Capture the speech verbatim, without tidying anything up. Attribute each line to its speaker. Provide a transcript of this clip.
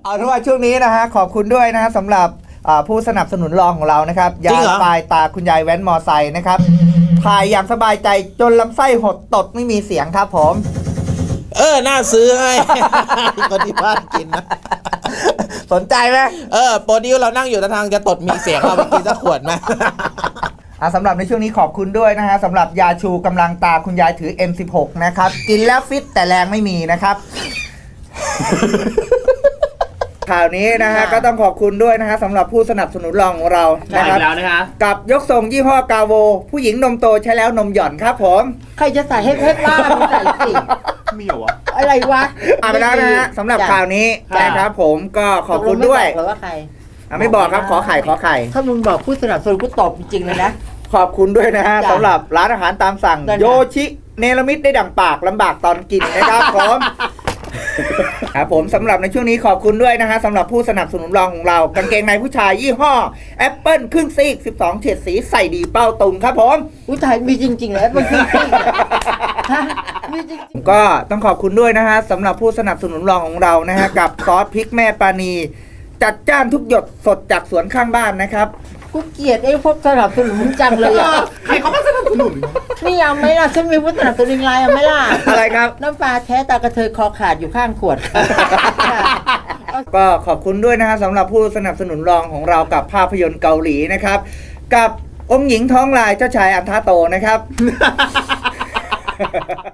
Speaker 1: เอาเป็นว่าช่วงนี้นะฮะขอบคุณด้วยนะฮะสำหรับผู้สนับสนุนรองของเรานะครับยาปลายตาคุณยายแว้นมอไซค์นะครับถ่ายอย่างสบายใจจนลำไส้หดตดไม่มีเสียงครับผม
Speaker 2: เออน่าซื้อให้คนที่บ้านกินนะ
Speaker 1: สนใจไหม
Speaker 2: เออโปรดิวเรานั่งอยู่ทางจะตดมีเสียงเอาไปกินสักขวดไหม
Speaker 1: อ่ะสำหรับในช่วงนี้ขอบคุณด้วยนะฮะสำหรับยาชูกำลังตาคุณยายถือ เอ็ม สิบหก นะครับกินแล้วฟิตแต่แรงไม่มีนะครับข่าวนี้นะฮะก็ต้องขอบคุณด้วยนะฮะสำหรับผู้สนับสนุนรองของเรานะครับ
Speaker 3: แล้วนะคะ
Speaker 1: กับยกทรงยี่ห้อกาโวผู้หญิงนมโตใช้แล้วนมหย่อนครับผม
Speaker 4: ใครจะใส่ให้เพชรบ้าไม่ใส่สิ
Speaker 3: มีเหรอวะ
Speaker 4: อะไรวะ
Speaker 1: อ่านไปแล้วนะฮะสำหรับข่าวนี้นะครับผมก็ขอบคุณด้วย
Speaker 4: หรือว่าใคร
Speaker 1: อ่ะไม่บอกครับขอไข่ขอไข่
Speaker 4: ถ้ามึงบอกผู้สนับสนุนกูตบจริงๆเลยนะ
Speaker 1: ขอบคุณด้วยนะฮะสำหรับร้านอาหารตามสั่งโยชิเนรมิตได้ดังปากลำบากตอนกินนะครับผมครับผมสำหรับในช่วงนี้ขอบคุณด้วยนะฮะสำหรับผู้สนับสนุนรองของเรากางเกงในผู้ชายยี่ห้อแอปเปิลครึ่งซีกสิบสองเฉดสีใส่ดีเป้าตุงครับผม
Speaker 4: อุ้ยถ่ายมีจริงๆเลยแอปเปิลครึ่งซีกมีจริง
Speaker 1: ๆก็ต้องขอบคุณด้วยนะฮะสำหรับผู้สนับสนุนรองของเรานะฮะกับซอสพริกแม่ปานีจัดจ้านทุกหยดสดจากสวนข้างบ้านนะครับ
Speaker 4: กูเกลียดไอ้พวกสนับสนุนจังเลยอ่ะ
Speaker 3: ใครเขามาสนับสนุน
Speaker 4: นี่เอาไหมล่ะฉันมีผู้สนับสนุนไลน์เอาไหมล่ะ
Speaker 1: อะไรครับ
Speaker 4: น้ำปลาแท้ตากระเทยคอขาดอยู่ข้างขวด
Speaker 1: ก็ขอบคุณด้วยนะฮะสำหรับผู้สนับสนุนรองของเรากับภาพยนตร์เกาหลีนะครับกับองค์หญิงท้องลายเจ้าชายอันทาโตนะครับ